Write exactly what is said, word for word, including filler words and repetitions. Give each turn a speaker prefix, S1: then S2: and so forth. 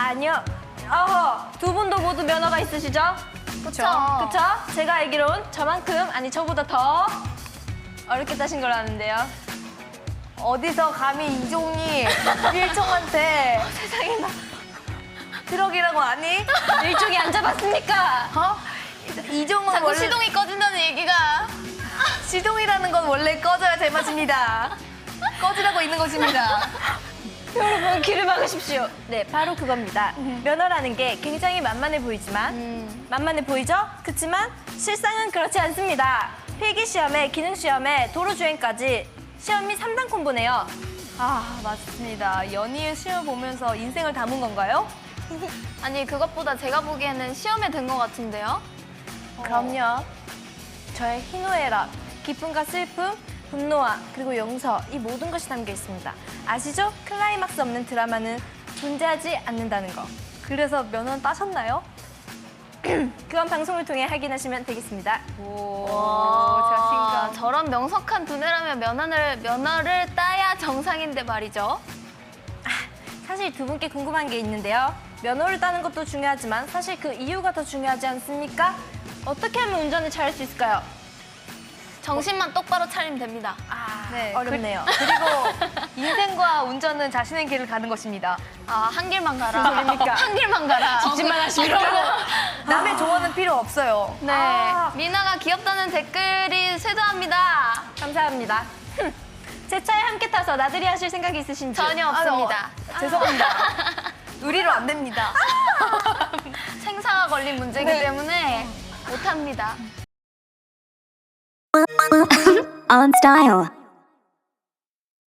S1: 아니요. 어허, 두 분도 모두 면허가 있으시죠?
S2: 그쵸.
S1: 그쵸? 제가 알기론 저만큼, 아니 저보다 더 어렵게 따신 걸로 아는데요.
S2: 어디서 감히 이종이 일종한테
S1: 세상에나.
S2: 트럭이라고 아니?
S1: 일종이 안 잡았습니까?
S2: 어? 이종은
S3: 자꾸
S2: 원래
S3: 시동이 꺼진다는 얘기가.
S2: 시동이라는 건 원래 꺼져야 제맛입니다. 꺼지라고 있는 것입니다.
S1: 여러분 귀를 막으십시오. 네, 바로 그겁니다. 면허라는 게 굉장히 만만해 보이지만
S3: 음.
S1: 만만해 보이죠? 그렇지만 실상은 그렇지 않습니다. 필기시험에 기능시험에 도로주행까지 시험이 삼 단 콤보네요.
S2: 아, 맞습니다. 연희의 시험 보면서 인생을 담은 건가요?
S3: 아니 그것보다 제가 보기에는 시험에 든 것 같은데요?
S1: 그럼요. 저의 희노애락, 기쁨과 슬픔, 분노와 그리고 용서, 이 모든 것이 담겨 있습니다. 아시죠? 클라이막스 없는 드라마는 존재하지 않는다는 거.
S2: 그래서 면허는 따셨나요?
S1: 그건 방송을 통해 확인하시면 되겠습니다.
S2: 오,
S3: 와,
S2: 자신감.
S3: 저런 명석한 두뇌라면 면허를 면허를 따야 정상인데 말이죠.
S1: 사실 두 분께 궁금한 게 있는데요. 면허를 따는 것도 중요하지만 사실 그 이유가 더 중요하지 않습니까? 어떻게 하면 운전을 잘할 수 있을까요?
S3: 정신만 똑바로 차리면 됩니다.
S1: 아,
S2: 네,
S1: 어렵네요.
S2: 그리고 인생과 운전은 자신의 길을 가는 것입니다.
S3: 아, 한 길만 가라.
S1: 무슨 소리입니까?
S3: 한 길만 가라.
S1: 집만 하시고.
S2: 남의 조언은 필요 없어요.
S3: 네,
S1: 아.
S3: 미나가 귀엽다는 댓글이 쇄도합니다.
S1: 감사합니다. 제 차에 함께 타서 나들이 하실 생각이 있으신지?
S3: 전혀 없습니다.
S2: 아, 죄송합니다. 의리로 안 됩니다.
S3: 생사가 걸린 문제이기
S2: 네.
S3: 때문에 못합니다.
S4: On style.